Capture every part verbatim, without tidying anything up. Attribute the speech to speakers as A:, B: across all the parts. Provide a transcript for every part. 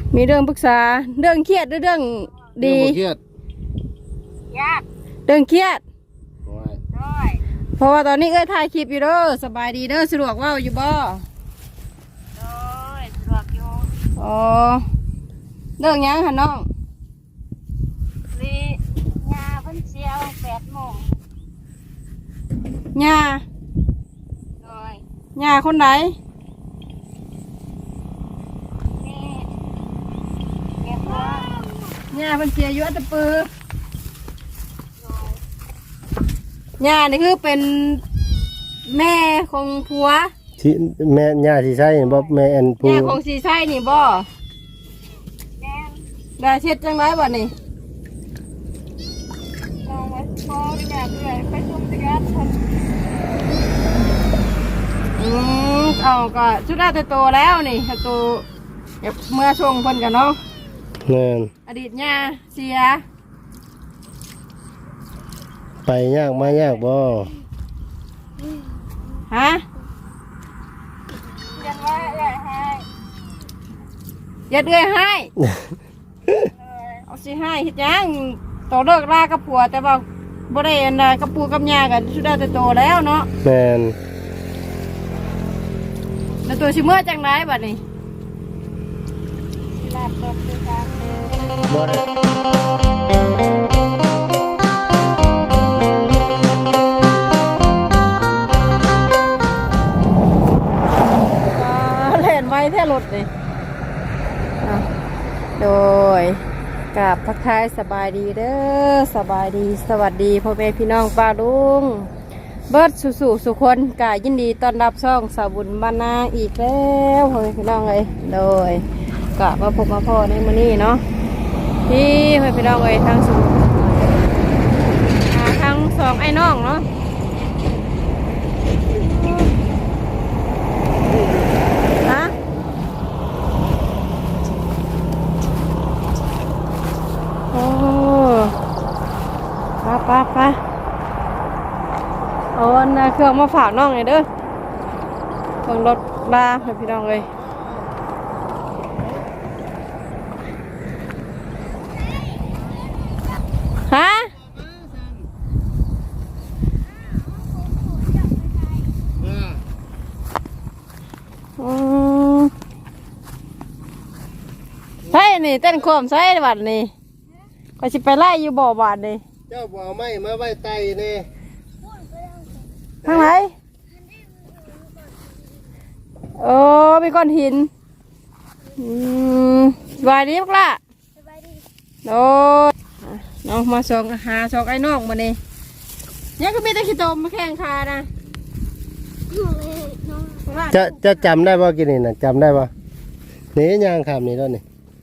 A: มีเรื่องปรึกษาเรื่องเครียดหรือเรื่องดี
B: เครียด
C: ยาก
A: เรื่องเครียด
C: ด้วย
A: เพราะว่าตอนนี้เอ้ยถ่ายคลิปอยู่เด้อสบายดีเด้อสะดวกว่าอยู่บ่
C: ด้วยสะดวกอยู่
A: อ๋อเรื่องยังค่ะน้อง
C: ลียาเพิ่นเชียวแปดโมง
A: ย่า
C: ด้วย
A: ย่าคนไหน
C: นี่เก็บไว้
A: ย่าเพิ่นเสียอยู่อัตตปือย่านี่คือเป็นแม่ของผัว
B: ที่แม่ย่าที่ใช่บ่แม่อันผู้
A: ย่าของสีไส้นี่บ่
C: แม่
A: ได้เช็ดจังไรบ่นี่
C: ลองไว้พออยากเลยไปชมจักรยานคน
A: อืมเอาก็ชุดได้แต่โตแล้วนี่โตเมื่อช่วงเพิ่นกันเนาะ
B: แม่น
A: อดีตย่าเสีย
B: ไปยากมายากบ่
A: ฮะ
C: ยังว่าอยากให้
A: อย่าเดือยให้เอาสิให้เฮ็ดยังโตเลิกลากับผัวแต่ว่าบ่ได้อันใดกับปู่กับย่ากันชุดได้แต่โตแล้วเนาะ
B: แม่น
A: แล้วตัวสิเมื่อจังไดบัดนี้
C: ลาบตกคือกัน
B: บ่ได้
A: ไว้แท้รถเลยโดยกราบทักทายสบายดีเด้อสบายดีสวัสดีพ่อแม่พี่น้องป้าลุงเบิร์ดสุสุสุคนกายินดีต้อนรับช่องสาวบุญบ้านนาอีกแล้วพ่อแม่พี่น้องเลยโดยกราบมาพบมาพ่อในมื้อนี้เนาะที่พ่อแม่พี่น้องเลยทั้งสุทั้งสองไอ้น้องเนาะไปไปเอาอันเครื่องมาฝากน้องเลยเด้อเครื่องรถลาให้พี่น้องเลยฮะอืมใช่นี่เต้นโคมใช่บัดนี่ก็สิไปไล่อยู่บ่อบาดนี่
B: เจ้าบ่อไม้มาไว้ไตนี่
A: ทางไหนเออมีก้อนหินอืมสบายดีมั้งล่ะ
C: สบายดี
A: โอ้น้องมาส่งหาส่งไอ้น้องมานี่ยังก็มีแต่ขี้ตมมาแข่งคานะ
B: จะจะจำได้ป่ะกินนี่นะจำได้ป่ะนี่ยางขามนี่แล้วนี่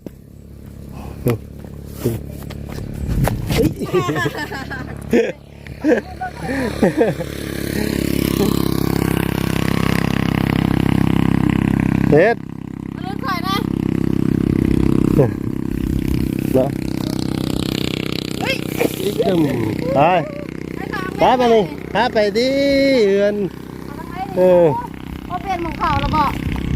B: เด็ด
A: เรื่องข่อยนะ
B: เนาะเฮ้ยตึมไปไปไปนี่พาไปดิเอือนเออ
A: พอเปลี่ยนหมองเขาแล้วบอก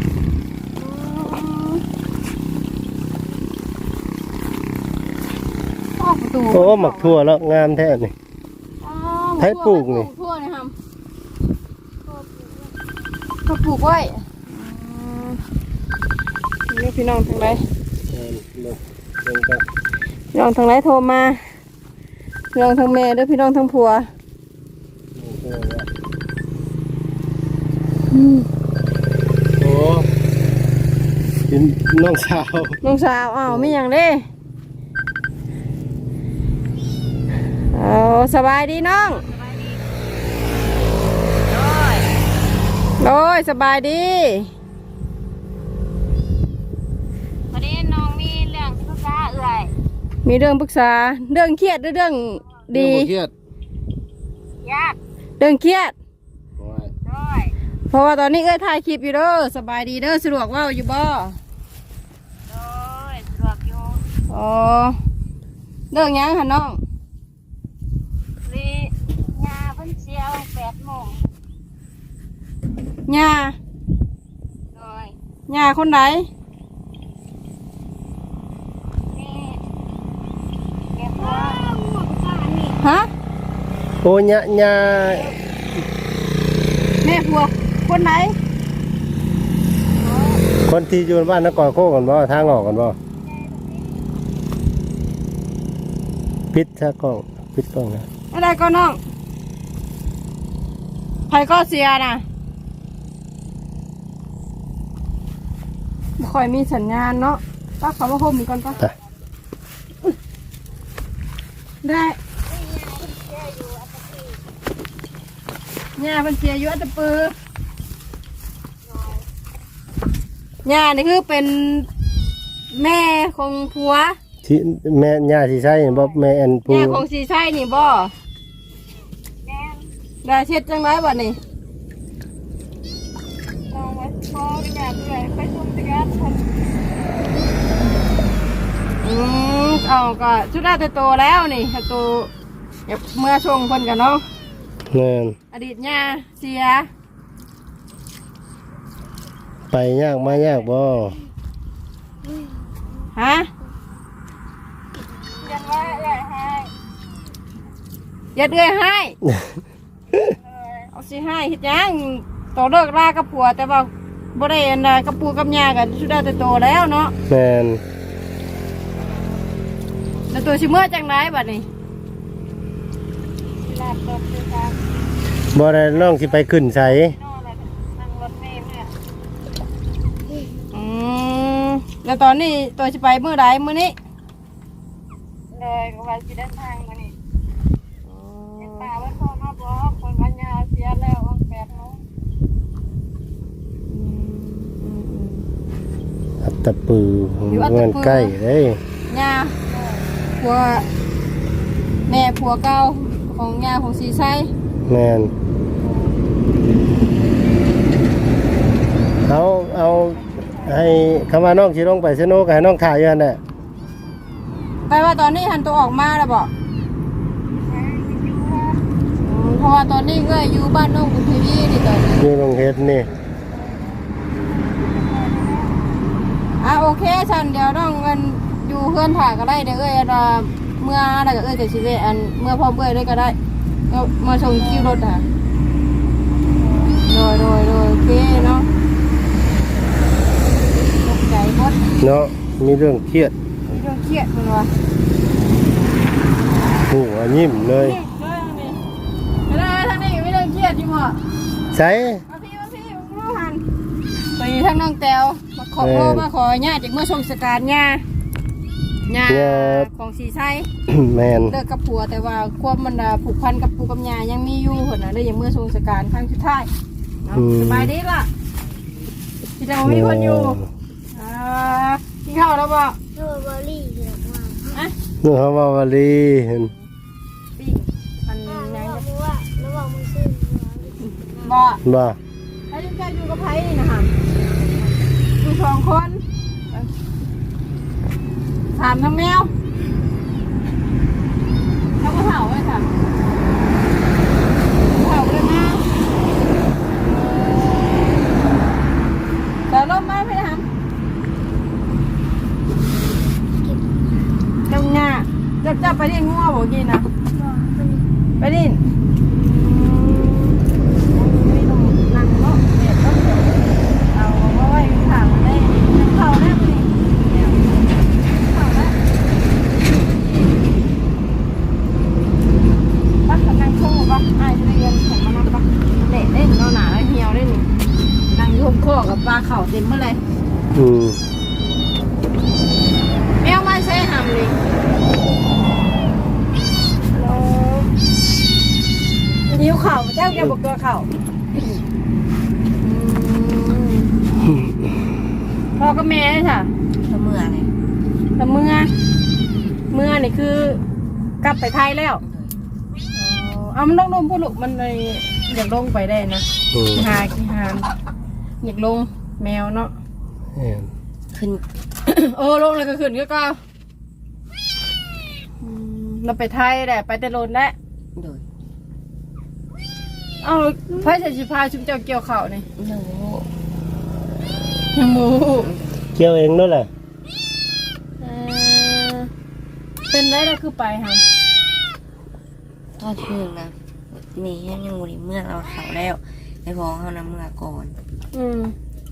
B: โอ้หมักทั่วแล้วงามแท้นี่ไผ่ปลูกนี่
A: ทั่วนี่ครับเขาปลูกไว้นี่พี่น้องทางไหนพี่น้องทางไหนโทรมาพี่น้องทางแม่ด้วยพี่น้องทางผัว
B: โอ้เป็นน้องสาว
A: น้องสาวอ้าวไม่อย่างเด้เอาสบายดีน้องโอ้ยสบายดี
C: วันนี้น้องมีเรื่องที่ปรึกษาเอื่อย
A: มีเรื่องปรึกษาเรื่องเครียดหรือเรื่องดี
B: เครียด
C: ยาก
A: เรื่องเครียด
C: ด้วย
A: เพราะว่าตอนนี้เอ้ยถ่ายคลิปอยู่เด้อสบายดีเด้อสะดวกว่าอยู่บ่
C: ด้วยสะดวกอยู่
A: อ๋อเรื่องยังค่ะน้อง
C: ลียาเพิ่นเชียวแปดโมง
A: ย่า
C: ด้วย
A: ย่าคนไหน
B: โอ้ยะยะ
A: แม่ผัวคนไหน
B: คนที่อยู่บ้านนครโคกันบ่ทางออกกันบ่ปิดซะกล้องปิดกล้องนะ
A: อะไรก็น้องไผก็เสียนะบ่ค่อยมีสัญญาณเนาะป้าเขามาห่มก่อนป้า
B: ไป
A: ได้ย่าเป็นเสียอยู่อัตตปือย่านี่คือเป็นแม่ของผัว
B: ที่แม่ย่าสิใช้บ่แม่อันผู้
A: แม่ของสีใช่นี่บ่ได้เช็ดจังไรบ่นี่
C: เอาไว้พออยากเลยไปส่งจักรคน
A: อืมเอาก็ชุดได้แต่โตแล้วนี่แต่โตเดี๋ยวเมื่อชงคนกันเนาะ
B: แม่น
A: อดีตย่าเสีย
B: ไปยากมายากบ่
A: ฮะ
C: ยังว่าอยากให้
A: อย่าเดือยให้เอาสิให้เฮ็ดหยังโตเลิกลากับผัวแต่ว่าบ่ได้อันใดกับปู่กับย่ากันชุดได้แต่โตแล้วเนาะ
B: แม่น
A: แล้วตัวสิเมื่อจังไรบัดนี้
C: หลับรถด้วยกัน
B: บ่ได้น้องสิไปขึ้นไส
C: นอนแล้วนั่งรถเมล์เนี่ย
A: อืมแล้วตอนนี้ตัวสิไปเมื่อใดมื้อนี้
C: เลยก็ว่าสิเดินทางมานี่ยังป่าว่าโทรมาบอกคนวันยาเสียแล้ววันแปดโมง
B: อัตตปือเงินใกล้เด้ย
A: ย่าผัวแม่ผัวเก่าของย่าของสีไซ
B: แม่นเอาเอาให้คำว่าน้องสิลงไปสนุกให้น้องถ่ายอยู่หั่นแหละ
A: แปลว่าตอนนี้หันตัวออกมาแล้วบอกเพราะว่าตอนนี้ก็อยู่บ้านน้องกุณทีวีนี่ตอนนี้
B: อยู่โรงเฮ็ดนี่
A: อ่ะโอเคฉันเดี๋ยวน้องเงินอยู่เพื่อนถ่ายก็ได้เดี๋ยวเอ้ยเราเมื่ออะไรก็เอ้ยจะชีวิตอันเมื่อพร้อมเอ้ยด้วยก็ได้ก็มาส่งคิวรถอ่ะโดยโดยโดยโอเคเนาะตกใจหมด
B: เนาะมีเรื่องเครียด
A: มีเรื่องเครียดมันวะ
B: โอ้ยิ้มเลย
A: ไม่ได้ทางนี้ไม่เรื่องเครียดจิ๋มอ่ะ
B: ใส่
A: มาพี่มาพี่มาลูกหันไปทางน้องแตวมาขอโทษมาขอญาติจากเมื่อส่งสการญาญาของสีไซ
B: แม่น
A: เลิกกับผัวแต่ว่าความมันผูกพันกับปู่กับญายังมีอยู่คนน่ะเลยอย่างเมื่อส่งสการครั้งสุดท้ายสบายดีล่ะที่จะมีคนอยู่อ่ากินข้าวแล้วบ่
C: โทรบอรี่เยอะมาก
A: อ่ะ
B: นึกว่าวาลีเห็น
A: ปิ้งมันยัง
C: ระวังว่าระวังมือซื้อ
A: บ่
B: บ่
A: แล้วยังแค่อยู่กับไผ่นี่นะคะอยู่สองคนถามทั้งแมวแล้วก็เห่าไว้ค่ะเห่าเลยมาแต่ร่มมาไม่ได้ทำจังงาจับจับไปเรียนงัวบอกกินนะไปดินนั่งเนาะเด็ดต้องเอาไว้ถามได้เข่าได้ไหมเข่าได้ปักกับนางโชว์ปักไอ้เรียนของมันปักเด็ดเล่นนอนหนาแล้วเหี่ยวได้หนินางยุ่งข้อกับปลาเข่าเต็มเมื่อไร
B: อืม
A: แมวมาใช้หำเลยนิ้วเข่าเจ้าแกบอกตัวเข่าพ่อกับแม่ค่ะ
C: ทำเมื่อไง
A: แต่เมื่อเมื่อนี่คือกลับไปไทยแล้วเอามันต้องลงพูดลูกมันเลยอยากลงไปได้นะ
B: อืม
A: หาขี้หานอยากลงแมวเนาะ
B: แม่น
A: ขึ้น โอ้ลงเลยก็ขึ้นก็ก็อืมเราไปไทยแหละไปแต่โลนได้
C: โดย
A: เอาพระเจ้าชิพาชุมเจ้าเกี่ยวเข่านี่
C: หนู
A: ยังมู
B: เกี่ยวเองนั่นแหละ
A: เออเป็นได้แล้วคือไปค่ะ
C: ทอดเชื่องนะ
A: อ
D: นี่ยังยังบ่ได้เมื่อเราเขาแล้วไอ้พอเฮานำเมื่อก่อน
A: อืม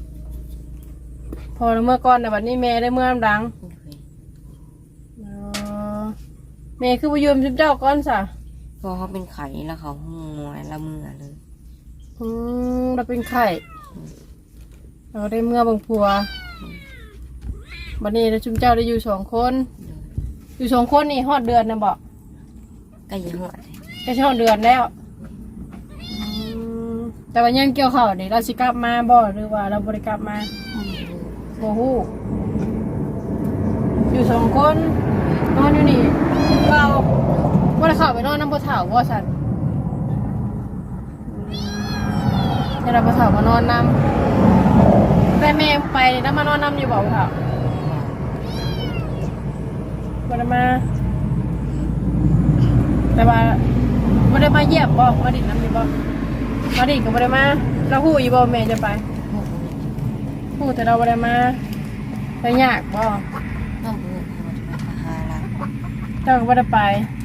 A: พอเมื่อก่อนแต่บัดนี้แม่ได้เมื่อดังอ๋อแม่คือบ่ยืมชุบเจ้าก่อนซะ
D: พอเขาเป็นไข่แล้วเขาหูงอยละเมื่อเลย
A: อืมเราเป็นไข่เราได้เมื่อบางพัวบัดนี้เราชุมเจ้าได้อยู่สองคน อยู่สองคนนี่ฮอดเดือนนะบอก
D: ใกล้จะหอดเลย
A: แค่ฮอดเดือนแล้วอืมแต่ว่ายังเกี่ยวข้าวนี่เราสิกลับมาบ่หรือว่าเราบ่ได้กลับมาโอ้โหอยู่สองคนนอนอยู่นี่เราบ่ได้เข้าไปนอนน้ำบ่เฒ่าบ่ซั่นแต่เราบ่เฒ่ามานอนนำแต่แม่ไปนี่แล้วมานอนนำอยู่บ่บ่เฒ่าบ่ได้มาแต่ว่าบ่ได้มาเยี่ยมบ่มาดินน้ำอยู่บ่มาดินก็บ่ได้มาเราฮู้อยู่บ่แม่จะไปฮู้แต่เราบ่ได้มาแต่ยากบ่
D: ต้องพูดเขาจะไปหาละ
A: เจ้าก็บ่ได้ไป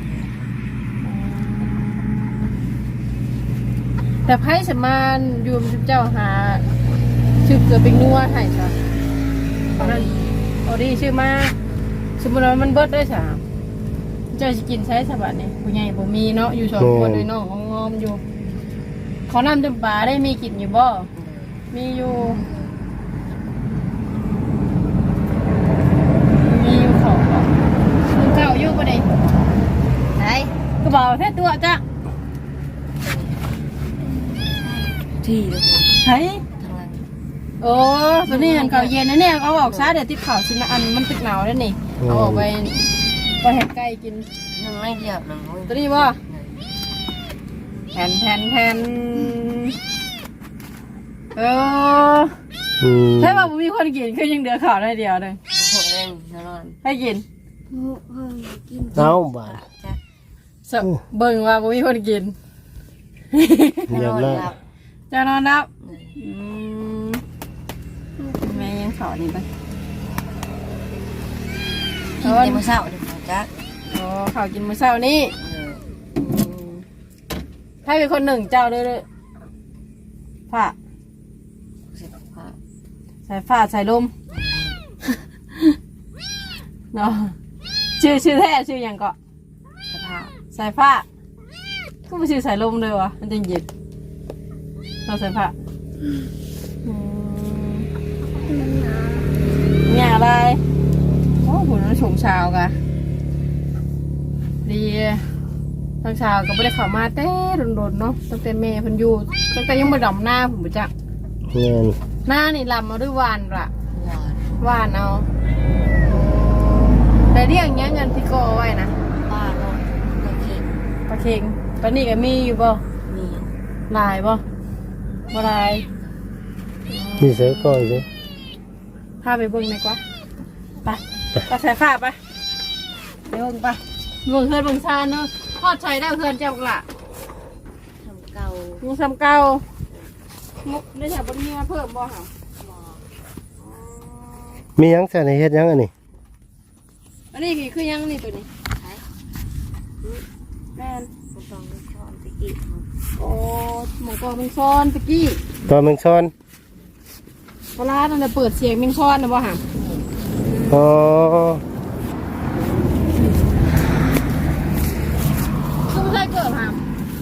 A: แต่ไผสมานอยู่กับเจ้าหาชื่อเกิดเป็นนัวให้ซะตอนนั้นเอาดีชื่อมาสมมุติว่ามันเบิดได้ซะเจ้าสิกินใช้สบัดนี่ผู้ใหญ่บ่มีเนาะอยู่สองคนด้วยน้องงอมๆอยู่เขานำจำปาได้มีกินอยู่บ่มีอยู่มีอยู่เขาบ่คุณเจ้าอยู่บ่ได้
D: ไหน
A: ก็บอกแค่ตัวจ้ะ
D: ที่เลย
A: ไห้
D: ทางหลัง
A: โอ้ตัวนี้หันเขาเย็นนะเนี่ยเอาออกซะเดี๋ยวติดข่าวสินะอันมันตึกหนาวแล้วนี่เอาออกไปไปเห็ดไก่กิน
D: นั่งไม่เดียวนั่ง
A: ตัวนี้บ่แผ่นแผ่นแผ่นเออ
B: อืม
A: ใช่ป่ะผมมีคนกินคือยังเดือข่าวได้เดียวเลย
D: หัวเองนอน
A: ให้กิน
B: เอาบาด
D: จ้ะ
A: สะเบิ่งว่าผมมีคนกิน
B: เรียบร้อย
A: จะนอนนับอืมแม่ยังสอนนี่ไป
D: กินเต็มเศร้าเลยจ้ะ
A: อ๋อข่าวกินมื้อเช้านี้ให้เป็นคนหนึ่งเจ้าด้วยเลยผ้า
D: เสร็จผ้า
A: ใส่ฟ้าใส่ลม เนาะชื่อชื่อแท้ชื่ออย่างก็
D: สภาพ
A: ใส่ผ้าก็ไม่ชื่อใส่ลมเลยวะมันจะเย็นเราใส่ผ้าอืมเนี่ยอะไรโอ้โหน้ำชงชาวกะดีทางชาวก็ไม่ได้เข้ามาแต่โดนๆเนาะตั้งแต่แม่เพันอยู่ตั้งแต่ยังไม่ดำหน้าผมบ่จัก
B: เงิน
A: หน้านี่ลำมาด้วยวานละ
D: หวาน
A: วานเอาแต่เรียกเงี้ยเงินที่โกเอาไว้นะ
D: ป้าเนาะโอเค
A: ปลาเค็งปลานี่ก็มีอยู่บ่
D: มี
A: ลายบ่บ่ลาย
B: นี่เสือก่อนสิ
A: พาไปเบิ่งดีกว่าไปไปใส่ผ้าไปเดี๋ยวเบิ่งไปเบิ่งเฮือนเบิ่งซานเนาะทอดใช้ได้เฮือนเจ้าละ
D: ทำเก่า
A: มุกซ้ำเก่ามุกได้แถวบ่มีมาเพิ่มบ่ค่ะ
B: มีหยังใส่ในเฮ็ดหยังอันนี้
A: อันนี้คือคือยังนี่ตัวนี้
D: ใช้
A: แม่น
D: ไม่ต้องไปช้อนไปกี่
A: โอ้หมูกรอบเมงซอนตะกี้
B: ตอนแมงซอน
A: ปลาร้านั่นน่ะเปิดเสียงเมงซอนนะบ่ห่ะ
B: อ๋อ
A: คือไม่ใช่เกิดห่ะ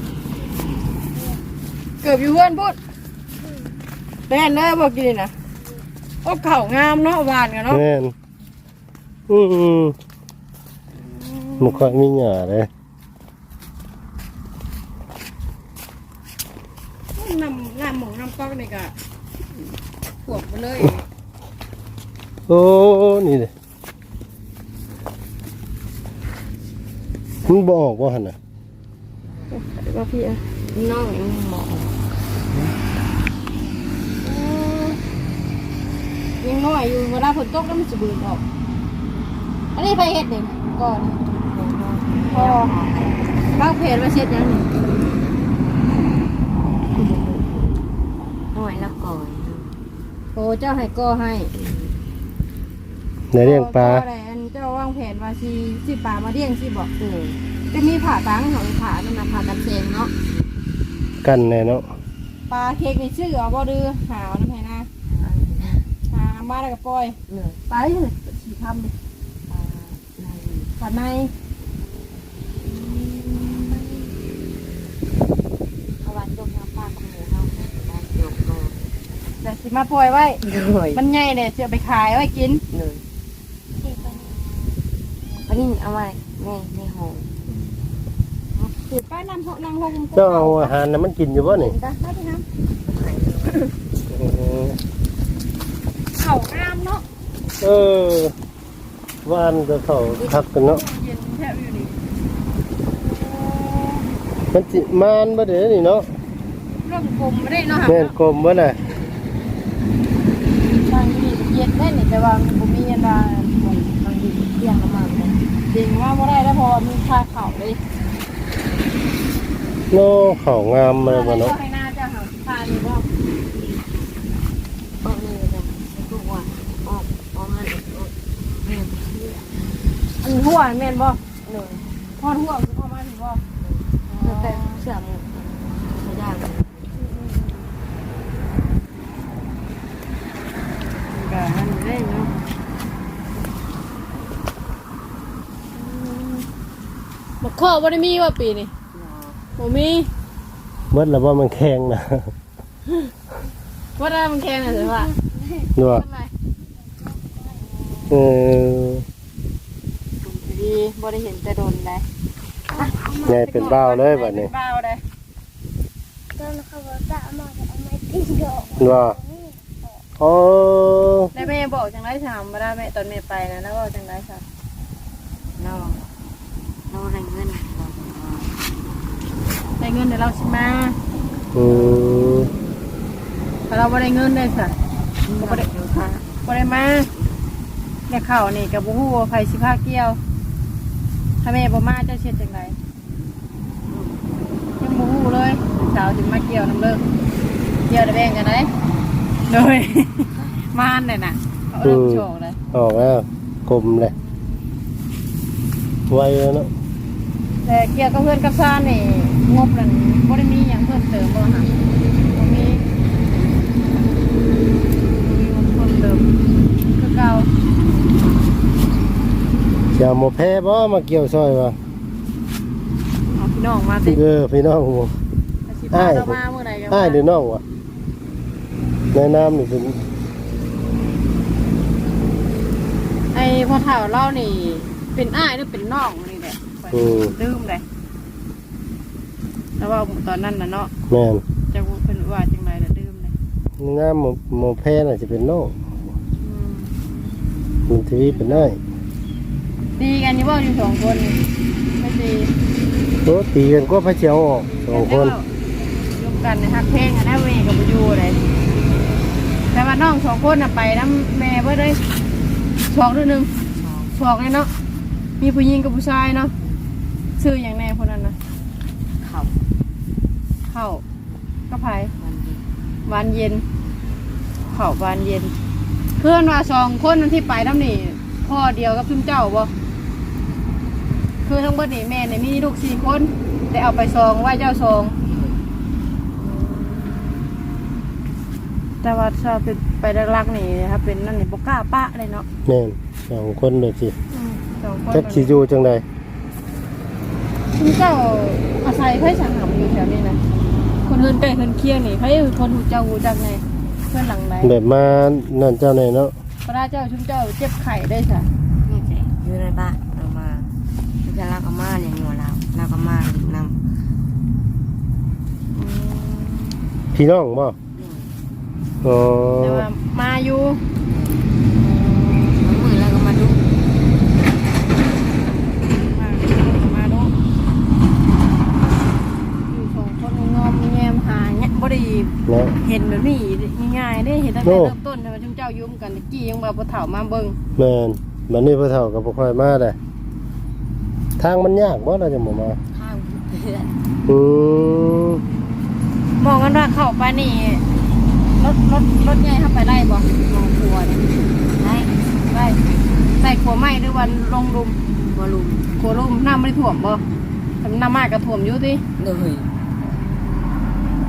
A: เกิดอยู่เพื่อนพูดแม่นเลยบอกกินนะโอ้เข่างามเนาะหวานกันเนาะ
B: เงินอืมมันค่อยมีหญ้าเลย
A: น้ำน้ำหมูน้ำก๊อกนี่ก็ขวบไปเลย
B: โอ้นี่เลยมันบออกว่าหันน่ะ
A: ว่าพี่อะ
D: น้องยังหมอ
A: ยังน้อยอยู่เวลาฝนตกแล้วมันจะเบื่อออกอันนี้ไปเห็ดนี่ก่อนพอบ้างเพจมาเช็ดยังนี่
D: หน่อยละก่อน
A: โอ้เจ้าให้ก็ให้
B: ในเลี้ยงปลา
A: ก็ได้อันเจ้าวางแผนว่าสิสิปลามาเลี้ยงสิบอกเออจะมีผ่าตังเขาผ่านั่นนะผ่ากันเชงเนาะ
B: กันแน่เนาะ
A: ปลาเค้กนี่ชื่อเอาบ่ดื้อหาวน้ำแพนะหามาแล้วก็ปล่อย
D: เหนื่อย
A: ปลาที่ไหนสีทำดิ
D: ปลาใน
A: ปลาใน
D: เขาวันจมน้ำปลากับหมูเขาได้เดี๋ยวก็
A: แต่สิมาปล่อยไว้
D: เหนื่อย
A: มันใหญ่เนี่ยจะเอาไปขายไว้กิน
D: เหนื่อยอันนี้เอาไว้ในในห้อง
A: ถือป้ายนำหกนางหง
B: เจ้าเอาอาหารน่ะมันกินอยู่บ่นี่
A: เห็นปะมาพี่น้
B: อืม
A: ำเข่างามเนาะ
B: เออวานก็เข้าคักกันเนาะ
A: เย็นแทบอยู่นี่
B: มันสิมานบ่เด้อนี่เนาะ
A: เรื่องกลมไม่ได้เนาะ
B: แม่นกลมบ่น่ะ
A: บางทีเย็นได้นี่แต่ว่าผมมีเย็นว่า
D: บางทีเที่ยงก็มาเลย
A: จริงว่าไม่ได้แล้วพอมีชาเข่าเลย
B: โน่เข้างามมาบ่เนาะ
A: ให้หน้าจะหาทานว่า
D: ออกนี่ก็จะทุกวันออกออกงานออกเรียน
A: อันหัวแม่นบ่
D: เหนื่อย
A: พอหัวคือพอมาถึงบ่
D: แต่เสื่อมไม่ได้
A: ก็มันได้เนาะบักข้อบ่ได้มีว่าปีนี่บ่มี
B: เบิดแล้วว่ามันแข็งนะ
A: ว่าได้มันแข็งน่ะสิว่า
B: นัว
A: ทำไม
B: เออ
A: ดีบ่ได้เห็นแต่โดนได้
B: ใหญ่เป็นบ้าวเลยบัดนี้
A: เป็นบ้าวได้
B: ว่าอ๋อ
A: ได้แม่บอกจังได๋ถามบ่ได้แม่ตอนแม่ไปนะแล้วบอกจังได๋ค่ะ
D: เราเราได้เงินเรา
A: ได้เงินเดี๋ยวเราสิมา
B: อืม
A: ถ้าเราบ่ได้เงินได้ซะ
D: บ่ได้เงินค่ะ
A: บ่ได้มาเนี่ยข้าวนี่ก็บ่ฮู้ว่าไผสิพาเกี่ยว ถ้าแม่บ่มาเจ้าเฮ็ดจังไดยังบ่ฮู้เลยสาวสิมาเกี่ยวนํเลิกเกี่ยวได้แบ่งกันได้โดย มานเลยน่ะเขาเริ่มโชคเลย
B: ออกแล้วกลมเลยไวแล้วเนาะ
A: แต่เกี่ยวกับเพื่อนกับซ่านนี่งบนั่นบ่ได้มีหยังเพิ่มเติมบ่ฮะบ่มีบ่มีงบเพิ่มเติมคือเก่า
B: เสียหมอแพ้บ่มาเกี่ยวซอยวะ
A: เอาพี่น้องมาสิ
B: เออพี่น้องผม
A: สิพาเรามาเมื่อไหร่กัน
B: อ้ายหรือน้องวะแนะนำนี่เป็น
A: ไอ้พ่อเฒ่าเล่านี่ เป็นอ้ายหรือเป็นน้องนี่แหละลืมเลยแล้วว่าตอนนั้นน่ะเนาะ
B: แม่น
A: จะเพิ่นว่าจังได๋ล่ะลืมเลย
B: งามหมอหมอแพ้น่ะจะเป็นน้อง
A: อืม
B: มันทีวีเป็นน้อย
A: ดีกันอยู่บ่อยู่สองคนนี่ไม่ดี
B: โตตีกันก็พระเจ้าออกสองคน
A: ยกกันในฮักเพลงอะนะเวกับบุยูเลยแต่ว่าน้องสองคนน่ะไปน้ำแม่เบิดเลยสองหรือหนึ่งสองเลยเนาะมีผู้หญิงกับผู้ชายเนาะชื่ออย่างแน่คนนั้นนะ
D: เขา
A: เข้าก็ไผ
D: มันดี
A: วานเย็นเข้าวานเย็น เพื่อนว่าสองคนนั้นที่ไปน้ำนี่พ่อเดียวกับซุมเจ้าบ่คือทั้งเบิดนี่แม่เนี่ยมีลูกสี่คนได้เอาไปซองไหว้เจ้าซอง แต่ว่าชอบไปรักๆนี่นะครับเป็นนั่นนี่บกล้าปะเลยเนาะ
B: แม่นสองคนเลยสิ
A: สองคน
B: จักสิอยู่จังได
A: คุณเจ้าอาศัยไพ่สังหำอยู่แถวนี้นะคนเฮือนใกล้เฮือนเคียงนี่ไพ่คนหูเจ้าหูจักไงเพื่อนหลังไหน
B: แบบมานั่นเจ้าไหนเนาะ
A: พระเจ้าชุมเจ้าเจ็บไข่ได้ค่ะ
D: นี่ใจอยู่ในบ้านเอามาจะรักอาม่าอย่างหัวเรารักอาม่าหรือนำ
B: พี่น้องบ่อ๋อ
A: แต่ว่ามาอยู่
D: น้ำมือแล้วก็มาดู
A: มามาเนาะอยู่สองคนงอมแงมหาเนี่ยบ่ได้
B: เนาะ
A: เห็นแบบนี้ง่ายๆได้เห็นตั้งแต่เริ่มต้นแต่ว่าชุมเจ้ายุ่มกันตะกี้ยังแบบพอเถ่ามาเบิ่ง
B: แม่นบัดนี้พ่อเฒ่ากับบ่ค่อยมาได้ทางมันยากบ่เราจะบ่มา
D: ข้างเพื่อน
B: อืม
A: มองกันว่าเข้าไปนี่รถรถรถใหญ่เข้าไปได้บ่ลงครัวเนี่ย
D: ได้
A: ได้ได้ขัวไหม้หรือวันลงลุม
D: บอลลูน
A: ขัวลุมน้ำไม่ได้ถ่วมบ่แต่น้ำมากกระถ่วมอยู่ติ
D: เลย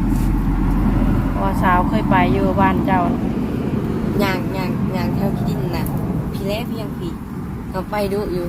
A: ว่าสาวเคยไปอยู่บ้านเจ้า
D: ย่างย่างย่างแถวที่ดินน่ะพี่แล้พี่ยังพี่เขาไปดูอยู่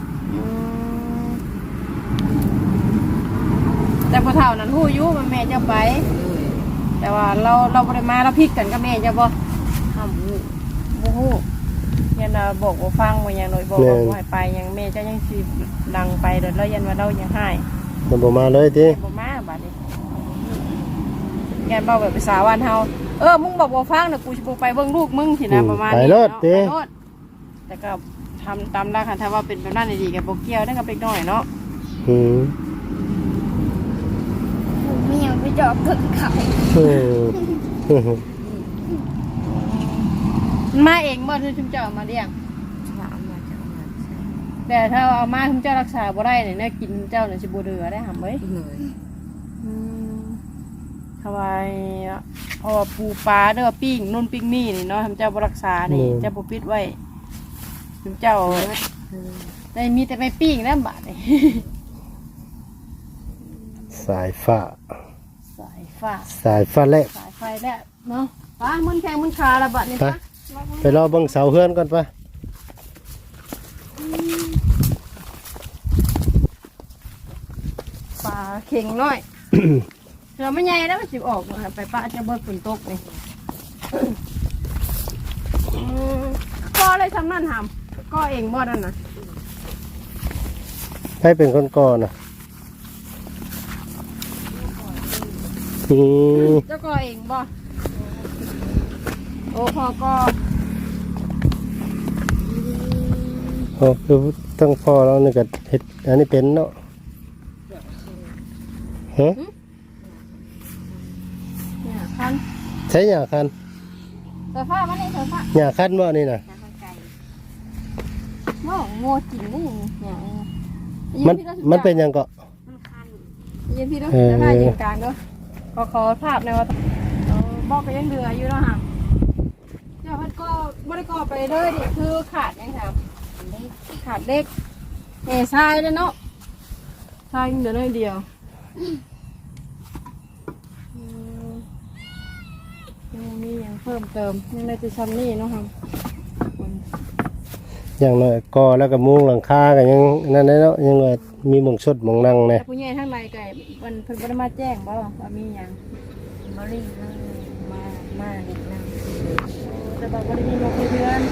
A: แต่พอเท่านั้นหู้อยุมันแม่เจะไป
D: เลย
A: แต่ว่าเราเราบ่ได้มาเราพิกกันกับแม่เจะบ่
D: ห้ามหู
A: บ่ฮู้ยันว่าบอกว่าฟังว่าอย่างน้อยบอกว่าบ่ให้ไปหยังแม่เจะยังสิดังไปเด้อแล้วยันว่าเรายังให้
B: มันบ่มาเลยติ
A: บ่มาบัดนี้แกนบอกแบบภาษาบ้านเฮาเออมึงบอกบ่ฟังน่ะกูสิบ่ไปเบิ่งลูกมึงสินะประมาณ
B: ไป
A: นี้
B: ร
A: เนาะ
B: ถติ
A: ไปโลดแต่ก็ทำตามหลักหันถ้าว่าเป็นแบบนั้นดีๆก็บ่เกี่ยวได้กับเด็กน้อยเนาะ
B: อืม
C: เมียไปจอบถึงเขา
B: เออ
A: มันมาเองบ่คือชุมเจ้าเอามาเลี้ยง
D: ว่าเอามาจากนั้นใช่
A: แต่ถ้าเอามาชุมเจ้ารักษาบ่ได้เนี่ยแน่กินชุมเจ้าเนี่ยสิบ่เดือได้หำเอ้ย
D: เลย
A: อืมทำไมเพราะว่าปูปลาเด้อปิ้งนู่นปิ้งนี่นี่เนาะชุมเจ้าบ่รักษานี่เจ้าบ่ปิดไว้ชุมเจ้าได้มีแต่ไปปิ้งแล้วบาดนี่
B: สายฟ้า
A: สายฟ้า
B: สายฟ้าแลบ
A: สายไฟแล้วเนาะป้ามันแข็งมันขาละบาดนี่
B: ไป
A: ป้า
B: ไปรอเบิ่งเสาเฮือนก่อนปะ
A: ปลาเข่งน้อย เราไม่ใหญ่แล้วมันสิออกมาไปป้าจะเบิดฝนตกนี่อืมก็เลยทำนั่นทำก็เองบ่นั่นน่ะ
B: ให้เป็นคนก่อนน่ะอืม
A: เจ้าก็เองบ่โอ้พอก็
B: โอ้คือตั้งพ่อแล้วนี่ก็เฮ็ดอันนี้เป็นเนาะฮะ
A: เนี่ยคัน
B: ใช้หญ้าคัน
A: เสื้อผ้ามันนี่เสื้อผ้า
B: หญ้าคันบ่นี่น่ะ
D: น้ำไก่
A: โง่โง่จริงนี่เนี่ย
B: มันมันเป็นหยังก็
D: มันคัน
A: ยืนพี่ด้วย
B: เออ
A: จะได้ยืนกลางด้วยขอขอภาพในอยว่าเอาบอกก็ยังเดืออยู่เนาะฮะเดี๋ยวมันก็ไม่ได้ก่อไปเลยดิคือขาดยังครับ ขาดเด็กเอทรายเลยเนาะทรายเดี๋ยวน้อยเดียวอืมยังมียังเพิ่มเติมยังได้จะชั้นนี่เนาะครับ
B: อย่างน้อยก่อแล้วก็มุงหลังคาก็ยังนั่นได้เนาะยังว่ามีหม่องชดหม่องนั่งแน่
A: แต่ผู้ใหญ่ทั้งในไก่มันเพิ่นบ่ได้มาแจ้งบ่ว่ามีหยัง
D: บริเวณมามาเด็กนั่ง
A: แต่บอกบ่ได้มีนกเพื่อน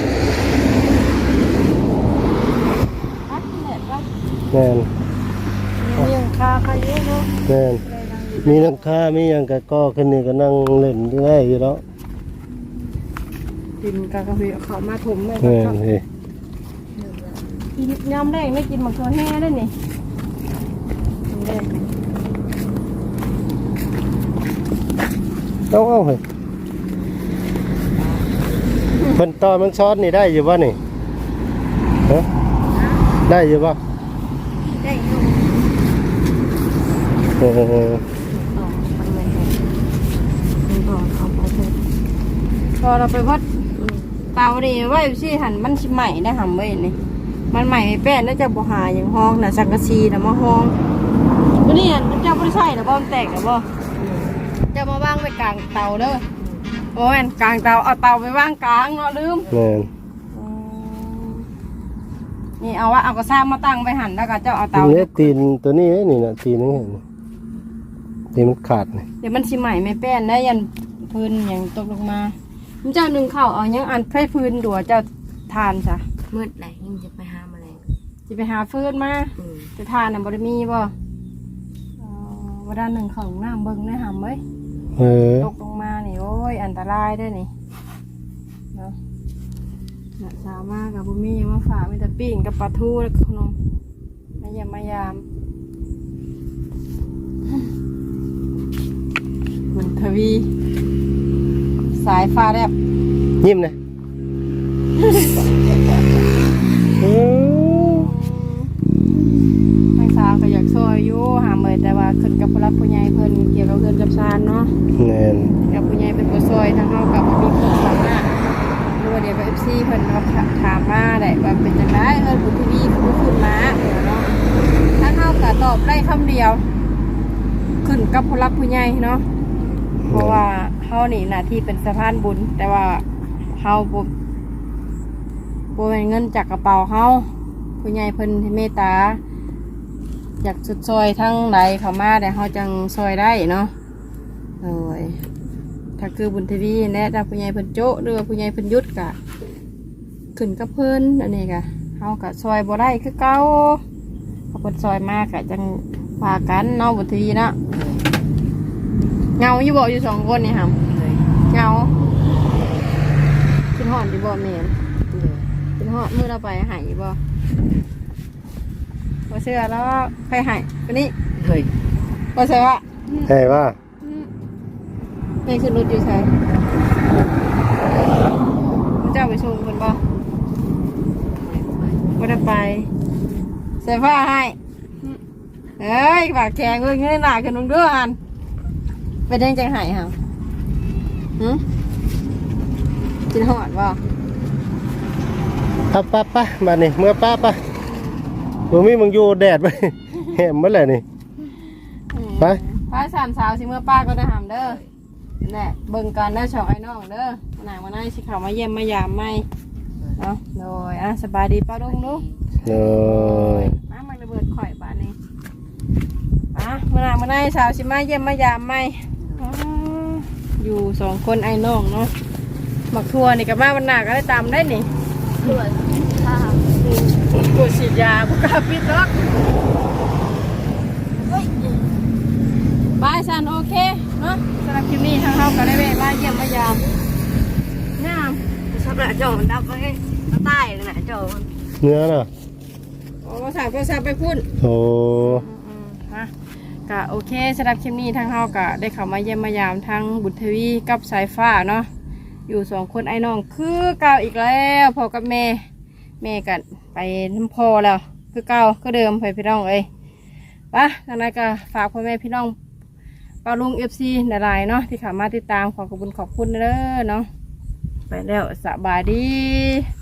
A: อัดนี่แหละว่า
B: แม่น
A: มีหยังคาใครเยอะเนาะ
B: แม่น
A: เลยนั่งอยู่
B: มีหลังคามีหยังก็ก่อขึ้นนี่ก็นั่งเล่นได้อยู่แล้ว
A: กินกากะเพีเขามาถมเลย
B: แม่
A: ก็
B: นเฮ้ย
A: กินยำแดงไม่กินหมักตัวแห้ได้นี่ยำแดง
B: เอาเอาเฮ้ยเพิ่นต่อมันซ้อนนี่ได้อยู่บ่นี่ฮะได้อยู่บ่
A: ได้อยู่
B: เออ
D: ต่อมันเหมือนกันมันบอกเขาไปเถอะ
A: พอเราไปพัดเตาดีไว้สิหันมันสิใหม่ได้หำไว้นี่มันใหม่ไม่แป้นแล้วจะบ่หาอย่างห้องน่ะสังกะสีน่ะมาห้องวันนี้มันจะบ่ได้ใช่หรอบ่มันแตกหรอบ่จะมาวางไว้กลางเตาเด้อโอ้ยกลางเตาเอาเตาไปวางกลางเนาะลืม
B: แม่น
A: นี่เอาว่าเอากระซ่ามาตั้งไปหันแล้วก็เจ้าเอาเตา
B: นี่ตีนตัวนี้นี่น่ะตีนนี่เห็นตีนมันขาดนี่
A: เดี๋ยวมันสิใหม่ไม่แป้นได้ยันพื้นอย่างตกลงมามันเจ้าหนึ่งเข้าเอายังอันไฟพื้นดัวเจ้าทานจ้ะ
D: มืดไหนยิ่งจะไปหาแมลง
A: จะไปหาฟืนมา
D: อืม
A: จะทานน่ะบ่ได้มีบ่เอ่อวันด้านหนึ่งของน้ำเบิ่งได้หำเว้ย
B: เออ
A: ตกลงมานี่โอ้ยอันตรายเด้วยนี่เนาะน่ะสาวมากกับบุมีมาฝากมีแต่ปิ้งกับปลาทูแล้วก็ขนมมายามมายามเหมือนทวี สายฟ้าแลบ
B: ยิ้มนะเออ
A: ไม่สาวก็อยากซอยอยู่หาเมยแต่ว่าขึ้นกับผู้รักผู้ใหญ่เพิ่นเกี่ยวกับเงินกับชานเนาะ
B: แน่น
A: กับผู้ใหญ่เป็นผู้ซอยทางเฮากับบ่มีความสามารถหรือว่าเดี๋ยวไป เอฟ ซี เพิ่นมาถามมาได้ว่าเป็นจังไดเอิ้นบุญทวีคือขึ้นมาเนาะทางเฮาก็ตอบได้คำเดียว ขึ้นกับผู้รักผู้ใหญ่เนาะเพราะว่าเฮานี่หน้าที่เป็นสะพานบุญแต่ว่าเฮาบ่บ่เป็นเงินจากกระเป๋าเฮาผู้ใหญ่เพิ่นเมตตาอยากสุดซอยทั้งใดเข้ามาแต่เฮาจังซอยได้เนาะโอ้ยถ้าคือบุญทวีแนะถ้าผู้ใหญ่เพิ่นโจะหรือว่าผู้ใหญ่เพิ่นยุดกะขึ้นกับเพิ่นอันนี้กะเฮากะซอยบ่ได้คือเก่าเขาเพิ่นซอยมากะจังพากันเนาะบุญทวีเนาะเงาอยู่บ่อยู่สองคนนี่ค่ะ
D: เลย
A: เงากินหอนอยู่บ่แม่น
D: เลย
A: กินหอนมื้อเราไปหายอยู่บ่บ่เชื่อแล้วใครหายคนนี้
D: เลย
A: บ่เชื่อว่า
B: ใช่ว่า
A: แม่ขึ้นรถอยู่ไสเจ้าไปส่งเพิ่นบ่บ่ได้ไปใส่ผ้าให้เอ้ยปากแข็งเอ้ยเงยหน้าขึ้นมึงเด้อหั่นเป็นจังจังหายห่าหึกินหอนบ่
B: ป้าป้าป้ามานี่เมื่อป้าป้ามึงมีมึงอยู่แดดไป แหมเมื่อไหร่นี่ ไป
A: พาสามสาวสิเมื่อป้าก็ได้หามเด้อนั่นแหละเบิ่งกันได้อช่องไอ้น้องเด้อหนามาหน้าสิเขามาเยี่ยมมายามไม่เนาะโดยอ่ะสบายดีป้าลุงลูก
B: เลย
A: มามาระเบิดข่อยบ้านนี้อ่ะมาหนามาหน้าสาวสิมาเยี่ยมมายามไม่อ๋ออยู่สองคนไอ้น้องเนาะหมักทัวนี่กับมาวันหนาก็ได้ตามได้นี่
C: ตรวจค่ะ
A: ปวดฉีดยาบุกาปิดล็อกบายสันโอเคเนาะสำหรับคลิปนี้ทางเราก็ได้แวะมาเยี่ยมมายามงาม
D: ชอบหน้าจอมันดับไว้ใต้เลยหน้าจอมัน
B: เนื้อน่ะ
A: โอ้สาวก็สาวไปพุ่น
B: โอ้
A: อืมๆฮะก็โอเคสำหรับคลิปนี้ทางเราก็ได้เข้ามาเยี่ยมมายามทางบุญทวีกับสายฟ้าเนาะอยู่สองคนไอ้น้องคือเก่าอีกแล้วพ่อกับแม่แม่กันไปน้ำพอแล้วคือเก่าก็เดิมไปพี่น้องเอ้ยปะทางนั้นก็ฝากพ่อแม่พี่น้องปาลุงเอฟซีหลายๆเนาะที่เข้ามาติดตามขอขอบคุณขอบคุณเด้อเนาะไปแล้วสบายดี